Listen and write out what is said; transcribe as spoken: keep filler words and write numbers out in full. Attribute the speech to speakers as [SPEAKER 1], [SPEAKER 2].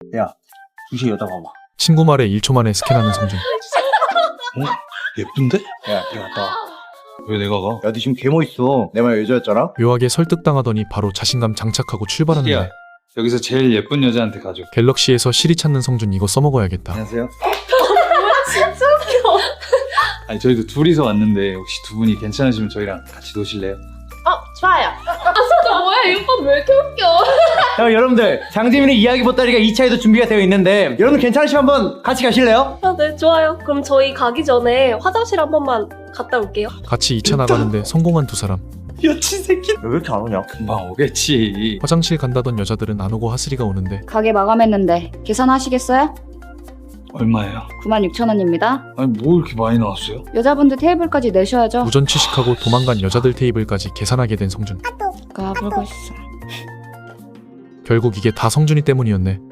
[SPEAKER 1] 야, 주식 여자 봐봐.
[SPEAKER 2] 친구 말에 일 초 만에 스캔하는 성준.
[SPEAKER 3] 어? 예쁜데?
[SPEAKER 1] 야, 걔 갔다 와.
[SPEAKER 3] 왜 내가 가?
[SPEAKER 1] 야, 너 지금 개 멋있어. 내 말 여자였잖아?
[SPEAKER 2] 묘하게 설득당하더니 바로 자신감 장착하고 출발하는데
[SPEAKER 3] 야, 여기서 제일 예쁜 여자한테 가줘.
[SPEAKER 2] 갤럭시에서 시리 찾는 성준 이거 써먹어야겠다.
[SPEAKER 1] 안녕하세요.
[SPEAKER 4] 진짜 웃겨.
[SPEAKER 3] 아니 저희도 둘이서 왔는데 혹시 두 분이 괜찮으시면 저희랑 같이 노실래요?
[SPEAKER 4] 어, 좋아요. 아, 진짜 뭐야? 이 오빠 왜 이렇게 웃겨?
[SPEAKER 1] 자, 여러분들, 장재민의 이야기 보따리가 이 차에도 준비가 되어 있는데 여러분 괜찮으시면 한번 같이 가실래요?
[SPEAKER 4] 아, 네, 좋아요. 그럼 저희 가기 전에 화장실 한 번만 갔다 올게요.
[SPEAKER 2] 같이 이 차 나가는데 성공한 두 사람.
[SPEAKER 3] 여친 새끼.
[SPEAKER 1] 왜 이렇게 안 오냐?
[SPEAKER 3] 금방 오겠지.
[SPEAKER 2] 화장실 간다던 여자들은 안 오고 하슬이가 오는데
[SPEAKER 5] 가게 마감했는데 계산하시겠어요?
[SPEAKER 3] 얼마예요?
[SPEAKER 5] 구만 육천 원입니다.
[SPEAKER 3] 아니 뭐 이렇게 많이 나왔어요?
[SPEAKER 5] 여자분들 테이블까지 내셔야죠.
[SPEAKER 2] 우전 취식하고 도망간 여자들 테이블까지 계산하게 된 성준.
[SPEAKER 5] 가보고 있어.
[SPEAKER 2] 결국 이게 다 성준이 때문이었네.